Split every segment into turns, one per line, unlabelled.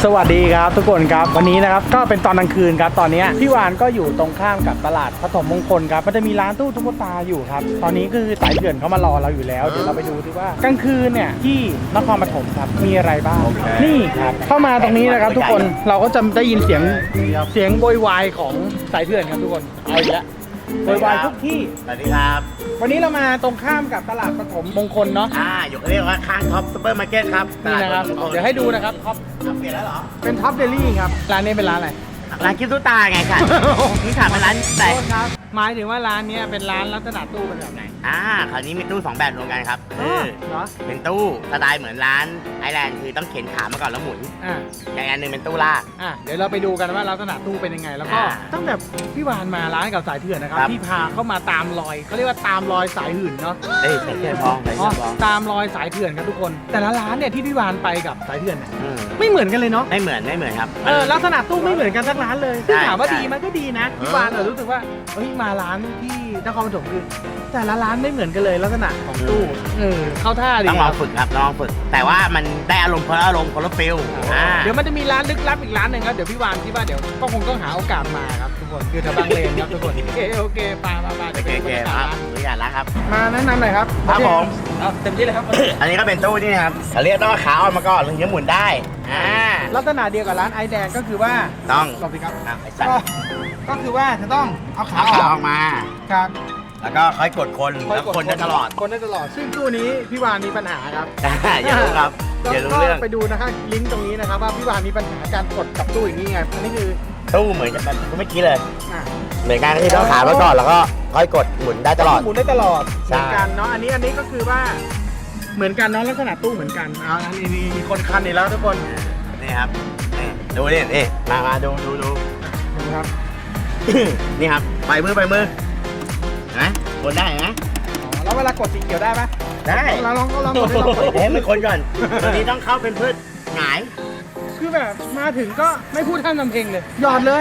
สวัสดีครับทุกคนครับวันนี้นะครับก็เป็นตอนกลางคืนครับตอนนี้พี่วานก็อยู่ตรงข้ามกับตลาดปฐมมงคลครับมันจะมีร้านตู้ตุ๊กตาอยู่ครับตอนนี้คือสายเถื่อนเขามารอเราอยู่แล้วเดี๋ยวเราไปดูดีว่ากลางคืนเนี่ยที่นครปฐมครับมีอะไรบ้างนี่ครับเข้ามาตรงนี้นะครับทุกคนเราก็จะได้ยินเสียงโวยวายของสายเถื่อนครับทุกคนเอาอีกแล้วโวยวายทุกที่
สวัสดีครับ
วันนี้เรามาตรงข้ามกับตลาดปฐมมงคลเนาะ
อยู่เรียกว่าข้างท็อปซูเปอร์มาร์เก็ตครับ
นี่นะครับเดี๋ยวให้ดูนะครับท็อป
เปลี่ยนแล้วเหรอ
เป็นท็อปเดลี่ครับร้านนี้เป็นร้านอะไร
ร้านคิดตู้ตาไงค่ะนี่ถามเป็นร้านแต่
โทษครับหมายถึงว่าร้านนี้เป็นร้านลักษณะตู้เป็นแบบไหน
คราวนี้มีตู้2แบบรวมกันครับ
เหรอ
เป็นตู้สไตล์เหมือนร้านไอแลนด์คือต้องเข็นขามาก่อนแล้วหมุน
อ่า
อย่างอันหนึงเป็นตู้ลาก
เดี๋ยวเราไปดูกันว่าลักษณะตู้เป็นยังไง แล้วก็
อ่า
ตั้งแต่พี่วานมาร้านกับสายเถื่อนนะครับ
ครับ
ที่พาเข้ามาตามรอยเขาเรียกว่าตามรอยสายหื่นเนาะ
เอ้ยใส่เสื้อพองใส่
อ๋อ
เสื้อพอง
ตามรอยสายเถื่อนครับทุกคน แต่ละร้านเนี่ยที่พี่วานไปกับสายเถื่อนเนี่ย
อืม
ไม่เหมือนกันเลยเนาะ
ไม่เหมือนครับ
ลักษณะตู้ไม่เหมือนกันสักร้านเลยซึ่ง
ใช่
ถามว่า
ใช่
ดีมันก็ดีนะพี่วานรู้สึกว่าเฮ้ยมาร้านที่นครปฐมคือแต่ละร้านไม่เหมือนกันเลยลักษณะของตู้เข้าท่าดี
ต้อง
ค
ลอ
รั
ง
บ
ฝึกครับลองฝึก แต่ว่ามันได้อารมณ์คนละอารมณ์คนละฟิล
เดี๋ยวมันจะมีร้านลึกลับอีกร้านหนึ่งครับเดี๋ยวพี่วานคิดว่าเดี๋ยวก็คงต้องหาโอกาสมาครับทุกคนคือแถวบางเลนครับทุกคนโอเคปา
โอ
เดี๋ยว
เค
ไป
โอเค
ดู
ครับ
ร้าน
อนุญาตแล้วครับ
มาแนะนำหน่อยครับ
ครับผม
เต็มที่เลยครับ
อันนี้ก็เป็นตู้นี่นะครับเขาเรียกต้องเอาขาออกมาก่อนถึงจะหมุนได้
ลักษณะเดียวกับร้านไอแดงก็คือว่า
ต้อง
หลบสิครับ
ไอ้สัต
ก็
ว์
ก็คือว่าจะต้องเอาขา
เอา
อ
ขา
อก
ออกมา
ครับ
แล้วก็ค่อยกดคนแล้วคนได้ตลอด
คนได้ตลอดซึ่งตู้นี้พี่วานมีปัญหาครับ
อย่ารู้ครับอย่ารู้
ก็
เรื่อง
ไปดูนะครับลิงก์ตรงนี้นะครับว่าพี่วานมีปัญหาการกดกับตู้อย่างนี้ไงอันนี้คือ
ตู้เหมือนกันแบบไม่คิดเลย
อ่ะ
เหมือนกันที่ต้องขาไว้ก่อนแล้วก็ค่อยกดหมุนได้ตลอด
หมุนได้ตลอดเห
ใช่
มือนกันเนาะอันนี้ก็คือว่าเหมือนกันเนาะลักษณะตู้เหมือนกันเอาอันนี้มีคนคันอีกแล้วทุกคน
นี่ครับนี่ดูนี่มาดู
ดูครับ
นี่ครับไปมือนะกดได้นะ
อ๋อแล้วเวลากดสีเขียวได้ไหม
ได้
เราลองกดให้ลองกด
เฮ้ยไม่คนก่อนตัวนี้ต้องเข้าเป็นพืชหงาย
คือแบบมาถึงก็ไม่พูดท่านทำเพลงเลยหยอดเลย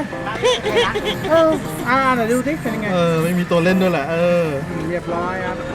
ไหนดูสิเป็นยังไง
ไม่มีตัวเล่นด้วยแหละ
เรียบร้อยครับ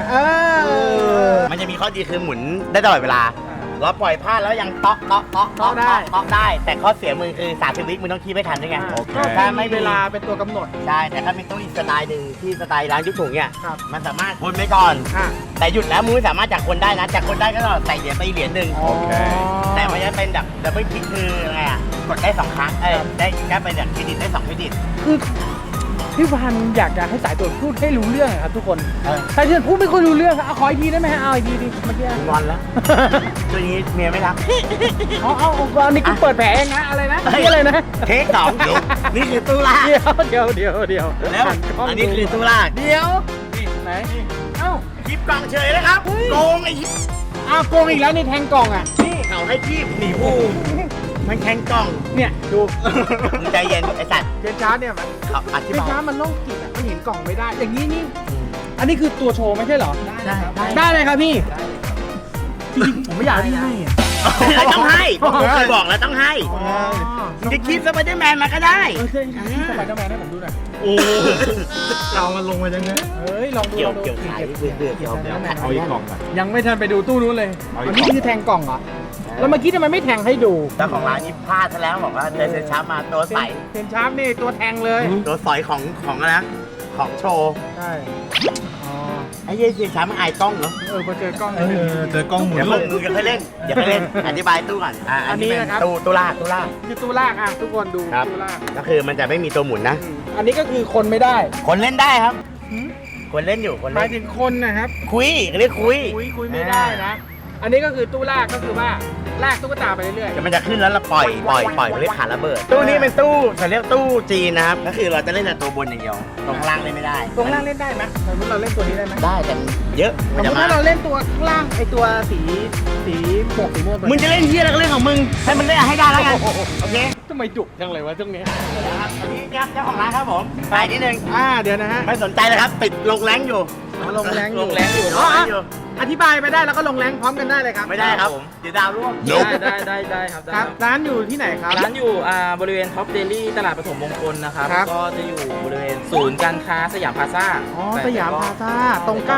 มันจะมีข้อดีคือหมุนได้ตลอดเวลาเราปล่อยพลาดแล้วยังเตาะได้ แต่ข้อเสียมือคือ30 วิมึงต้องคีบไม่ทันด้วยไง
ก็
ถ้า
ไม่
ไม่
เว
เว
ลา
ลา
เป็นตัวกำหนด
ใช่แต่ถ้าเป็นตู้อีกสไตล์หนึ่งที่สไตล์ร้านยุคถุงเนี่ย
ครับ
มันสามารถคนไปก่อน
อ่ะ
แต่หยุดแล้วมึงไม่สามารถจากคนได้นะจากคนได้ก็ใส่เหรียญไปเหรียญหนึ่ง
โอเค
แต่มันจะเป็นแบบดับเบิลคลิกคือไงอ่ะกดได้2ครั้งได้แค่เป็นแบบเครดิตได้2เครดิต
คือพี่วันอยากจะให้สายตรวจพูดให้รู้เรื่องครับทุกคนสายตรวจพูดไม่ค่อยรู้เรื่องเอาขออีกทีได้ไหมฮะเอาอีกทีดิเมื่อกี้
งอนแล้วตัวนี้เมียไม่รัก
อันนี้กูเปิดแผลเองนะอะไรนะนี่อะไรนะ
เทคสองนี่คือตู้ลาก
เดี๋ยว
แล้วอันนี้คือตู้ลาก
เดี๋ยวไหนเอ้า
คลิปกล่องเฉยเลยครับโกงไอ้
โกงอีกแล้วนี่แทงกล่องอ่ะ
นี่เขาให้คีบหนีผู้มันแข่งกล่อง
เนี่ยดู
มึงใจเย็นไอ้สัตว์
เจนชาร์ดเนี่ยมัน
เขาอธิ
เจน
บาย
ชาร์ดมันโรคจิตอ่ะมันเห็นกล่องไม่ได้ อย่างนี้นี่อันนี้คือตัวโชว์ไม่ใช่เหรอ ได้เลยครับพี่จริงๆผมไม่อยากที่ให้อ่ะ
ต้องให้ผมเคยบอกแล้วต้องให้จะคีบสไปเดอร์แมนมาก็ได้
เคยสไปเดอร์แมนให้ผมดูหน่อย
โอ้เรามันลงมาจังไง
เฮ้ยลองดู
เกี่ยวขายเบื่อเกี่ยว
เอาอีกกล่องไป
ยังไม่ทันไปดูตู้นู้นเลย
เอาอีก
อันนี้คือแทงกล่องเหรอแล้วเมื่อกี้ทำไมไม่แทงให้ดู
เจ้าของร้านนี้พลาดซะแล้วบอกว่าเดินช้ามาตัวใส
เจนชาร์ดนี่ตัวแทงเลย
ตัวสอยของอะไรนะของโชว์
ใช่อ๋อ
ไอ้เหี้ยเสียช้ามันอายกล้องเหรอ
พอเจอกล้อง
เจอกล้องหมุน
เดี๋ยว
เลย
มึงจะค่อยเล่นอย่าค่อยเล่นอธิบายตู้ก่อนอันนี้เป็นตู้ลาก
คือตู้ลากทุกคนดู
ครับ
ตู้ลาก
ก็คือมันจะไม่มีตัวหมุนนะ
อันนี้ก็คือคนไม่ได้
คนเล่นได้ครับ คนเล่นอยู่คน
หมา
เล่
ย
น
ถึงคนนะครับ
คุยเรียกคุย
คุยไม่ได้นะ อันนี้ก็คือตู้ลากก็คือว่าลากตุ๊กตาไปเรื่อย
เดี๋ยวมันจะขึ้นแล้วเราปล่อยมันเรียกขาระเบิดตู้นี้เป็นตู้เขาเรียกตู้จีนนะครับก็คือเราจะเล่นแต่ตัวบนอย่างเดียวตรงข้างล่างเล่นไม่ได้
ๆตรงล่างเล่นได้ไหมสมมติเราเล่นตัวนี้ได้ไหม
ได้แต่เยอะ
ส
มัน
มม
จะ
ติ
มา
ถ้าเราเล่นตัวข้างล่างไอตัวสีหมวกสีม่วง
มึงจะเล่นเฮียอะไรก็เรื่องของมึงให้มันเล่นให้ได้แล้วกันโอเค
ทำไมจุกจังเลยวะช่วงนี้
ครับอันนี้ครับเจ้าของร้านครับผมขายนิดนึง
เดี๋ยวนะฮะ
ไม่สนใจเลยครับติดลงแรงอยู่
ลงแรงอยู่
ลงแรงอยู่
อธิบายไปได้แล้วก็ลงแรงพร้อมกันได้เลยครับ
ไม่ได้ครับเดี๋ยวดาวร่วง
ได้ครับ
ครับร้านอยู่ที่ไหนครับ
ร้านอยู่บริเวณท็อปเดลี่ตลาดปฐมมงคลนะครับ
ครับ
ก็จะอยู่บริเวณศูนย์การค้าสยามพลาซ่า
สยามพลาซ่าตรงข้ามตลาดป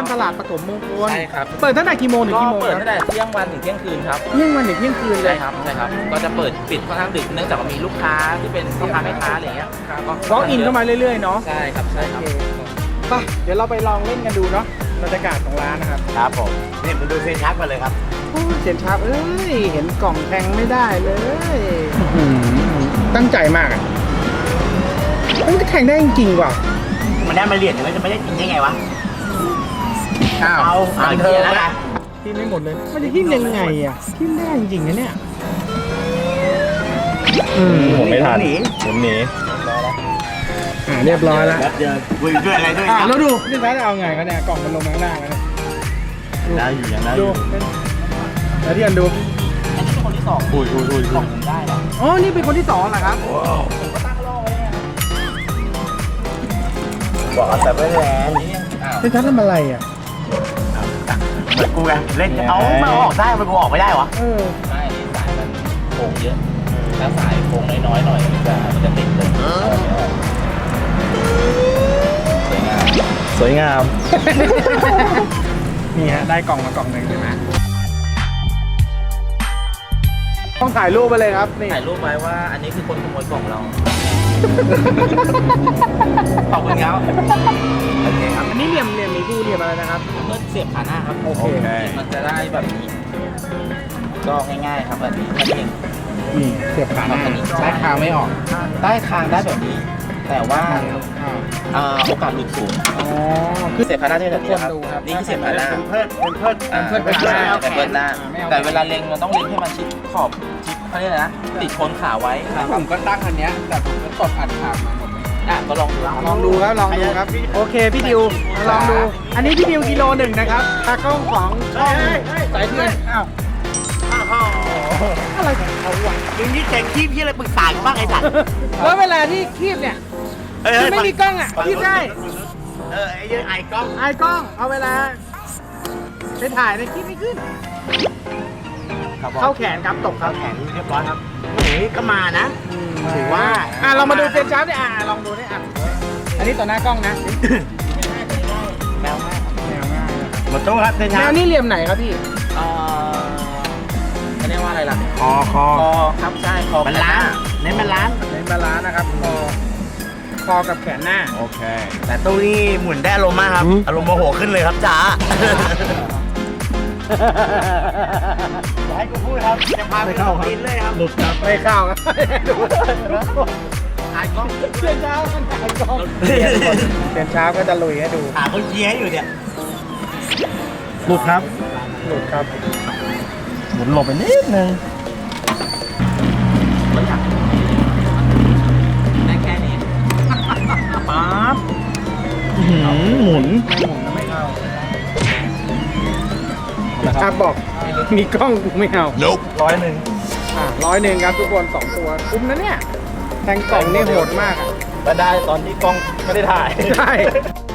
ฐมมงคล
ใช่ครับ
เปิดตั้งแต่กี่โมงถึง
ก็
กี่โมง
เปิด
ค
ตั้
รับ
งแต่เที่ยงวันถึงเที่ยงคืนครับ
เที่ยงวันถึงเที่ยงคืนเล
ใช่
ย
ครับใช่ครับก็จะเปิดปิดค่อนข้างดึกเนื่องจากว่ามีลูกค้าที่เป็นพ่อค้าแม่ค้าอะไรเงี้ยก็
วอล์กอินเข้ามาเรื่อยๆเนาะ
ใช่ครับใช่ครับ
ไปเดี๋ยวเราไปลองเล่นกันดูเนาะบรรยากาศของร้านนะครับ
ครับผมนี่มาดูเซนชักกันเลยครับ
โอ้ยเสียนชาร์ปเอ้ยเห็นกล่องแทงไม่ได้เลยตั้งใจมากอ่ะมันก็แทงได้จริงๆว่ะ
มันได้มาเหรียญแต่มันจะไม่ได้จริงได้ไงวะ
อ้าว
เอาเธอแล้วนะ
ทิ่มไม่หมดเลยมันจะทิ่มยังไงอ่ะทิ่มได้จริงๆนะเนี่ย
ผมไม่ทัน
หนี
ผมหนี
เรียบร้อยแล้ว
แล้วเจอคุยด้วยอะไรด้วย
แล้วดูนี่แพ้จะเอาไงกันเนี่ยกล่องมันลงมาข้างล่างแล้วเนี่ย
ได้อยู่ยังได้อ
ดู
ยู่
แล้วที่กันดู
อันนี้เป็นคนที่สอง
อุ้ย
ส่งผมได้แล้ว
อ๋อนี่เป็นคนที่สองเหรอครับ
ผมก็ตั้งรอไว้เนี่ยครับ
บอกเอาแต่ไม่แรง
เป็นชั้นทำอะไรอ่ะ
เหมือนกูไงเล่นเอามันออกได้มันกูออกไม่ได้วะ
เออ
ใช่นี่สายมันโค้งเยอะถ้าสายโค้งน้อยๆหน่อยมันจะติดเลยสวยงาม
สวยงาม
นี่ฮะได้กล่องมากล่องหนึ่งใช่ไหมต้องถ่ายรูปไปเลยครับนี่
ถ่ายรูปไว้ว่าอันนี้คือคนขโมยกล่องเรา ขอบคุณครับโอเคครับ
อันนี้เหลี่ยมมีคู่เหลี่ยมอะไรนะครับ
เมื่อเสียบขาหน้าครับ
โอเค
มันจะได้แบบนี้ ก็ง่ายๆครับแบบนี้แค่นี้เอง
นี่เสียบขาหน้า
ใช้คางไม่ออก ได้คางได้แบบนี้ แต่ว่าโอกาสหลุดสูง
อ๋อ
คือเสียบขาหน้าจะเป็นแบบนี้ครับ
ทุกคนดูครับ
นี่คือเสียบขาหน้า
เป็นเพิดเป็นเพิด
เป็นขาหน้าเป็นเบิร์นหน้า
ไม่เอา
แต่เวลาเล็งมันต้องเล็งให้มันชิดขอบชิดเขาเรียกอะไรนะติดโคนขาไว้ครับ
ผมก็ตั้งอันเนี้ยแต่ผมก็กดอัดขามาหมดเลย
ก็ลองดู
ลองดูครับลองดูครับโอเคพี่ดิวลองดู อันนี้พี่ดิวกิโลหนึ่งนะครับตากล้องของช่องสายเพื่อนอ้าวอะไรของเขาวะ
มึงนี่แจงคีบที่อะไรปรึกษากันบ้างไอ้สัตว์
แล้วเวลาที่คีบเนี่ยที่ไม่มีกล้องอ่ะคีบได้
ไอ้เรื่องไอ้กล้อง
ไอ้กล้องเอาเวลาไปถ่ายในคลิปไม่ขึ้น เข้าแขนครับตกครับ
แข็งเรียบร้อยครับโอ้ยก็มานะ ถือว่า
เรามาดูเซนชาร์ปดิลองดูดิอันนี้ต่อหน้ากล้องนะ
แมวมาก
แมวง่าย
หมดตู้ครับเซน
แม
ชาร์
วนี่เหลี่ยมไหนครับพี่
เขาเรียกว่าอะไรล่ะ
คอ
คอครับใช่คอ
มันล้านเน้นมันล้าน
ในบาลานซ์นะครับคอกับแขนหน้า
โอเค
แต่ตู้นี้หมุนได้อารมณ์มากครับ อารมณ์โมโหขึ้นเลยครับจ้าอย่าให้กูพูดครับ จะพาไปเข้าดินเลยครับ
หลุดครับ
ไม่เข้าครับดู
ถ่ายกล้อง
เซนชาร์ปมันถ่ายกล้องเซนชาร์ปก็จะลุยให้ดู
หาคนเชียร์ให้อยู่เนี่ย
หลุดครับ
หลุดครับ
หมุนหลบไปนิดนึง
ได้แค่นี้
ป๊าบ
หมุน
ไม่หมุนแล้วไม่เข้าบอกมีกล้องกูไม่เอา
100
100ครับทุกคน2ตัวคุ้มนะเนี่ยแทงกล่องนี่โหดมากอ่ะ
ก็ได้ตอนที่กล้องไม่ได้ถ่าย
ใช่